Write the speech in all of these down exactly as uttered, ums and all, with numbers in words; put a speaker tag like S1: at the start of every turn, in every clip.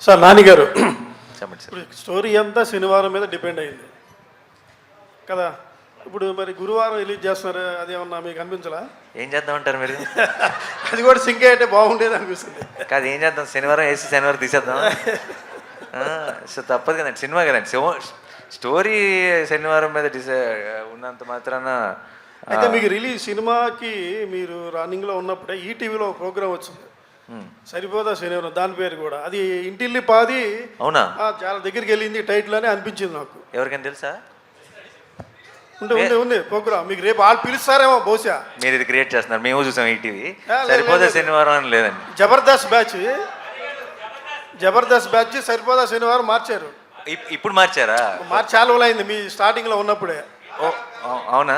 S1: Sir నానిగారు
S2: చెప్పండి sir.
S1: ఇప్పుడు story అంతా శనివారం మీద డిపెండ్ అయింది కదా. ఇప్పుడు మరి గురువారం రిలీజ్ చేస్తున్నారు, అదేమన్నా మీకు అనిపించలా?
S2: ఏం చేద్దామంటారు మీరు?
S1: అది కూడా సింక్ అయితే బాగుండేది అనిపిస్తుంది.
S2: కాదు, ఏం చేద్దాం, శనివారం వేసి శనివారం తీసేద్దాం. సో తప్పదు కదండి, సినిమా కదండి. స్టోరీ శనివారం మీద డిసై ఉన్నంత మాత్రాన.
S1: అయితే మీకు రిలీజ్ సినిమాకి మీరు రన్నింగ్లో ఉన్నప్పుడే ఈటీవీలో ఒక ప్రోగ్రామ్ వచ్చింది, సరిపోదా శనివారం, దాని పేరు కూడా అది ఇంటిల్లి పాది.
S2: అవునా?
S1: చాలా దగ్గరికి వెళ్ళింది టైటిల్ అని అనిపించింది నాకు.
S2: ఎవరికైనా తెలుసా?
S1: ఉంది ఉంది ఉంది ప్రోగ్రామ్. మీకు రేపు వాళ్ళు పిలుస్తారేమో బహుశా.
S2: మీరు ఇది క్రియేట్ చేస్తున్నారు, మేము చూసాం ఈటీవీ. సరిపోదా శనివారం అని లేదండి.
S1: జబర్దస్త్ బ్యాచ్ జబర్దస్త్ బ్యాచ్ సరిపోదా శనివారం మార్చారు.
S2: ఇప్పుడు మార్చారా?
S1: మార్చి చాలా రోజులు అయింది మీ స్టార్టింగ్లో ఉన్నప్పుడే.
S2: ఓ అవునా?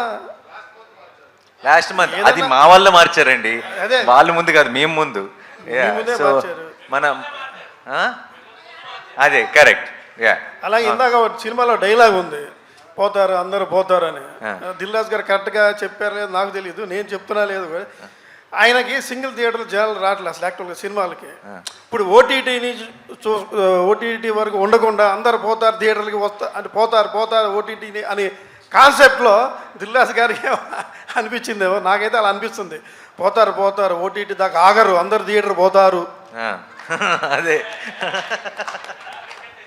S2: లాస్ట్ మంత్ అది మా వల్ల మార్చారండి. వాళ్ళు ముందు కాదు, మేము ముందు. సో మనం అదే కరెక్ట్.
S1: అలాగే ఇందాక సినిమాలో డైలాగ్ ఉంది, పోతారు అందరూ పోతారు అని. దిల్రాజ్ గారు కరెక్ట్గా చెప్పారు లేదు నాకు తెలియదు, నేను చెప్తున్నా లేదు. ఆయనకి సింగిల్ థియేటర్లు జనాలు రావట్లేదు అసలు యాక్చువల్గా సినిమాలకి. ఇప్పుడు ఓటీటీని చూ ఓటీటీ వరకు ఉండకుండా అందరు పోతారు థియేటర్లకి వస్తా అంటే పోతారు పోతారు ఓటీటీని అని కాన్సెప్ట్లో దిల్రాజ్ గారికి అనిపించిందేమో, నాకైతే అలా అనిపిస్తుంది. పోతారు పోతారు ఓటీటీ దాకా ఆగరు, అందరు థియేటర్ పోతారు.
S2: అదే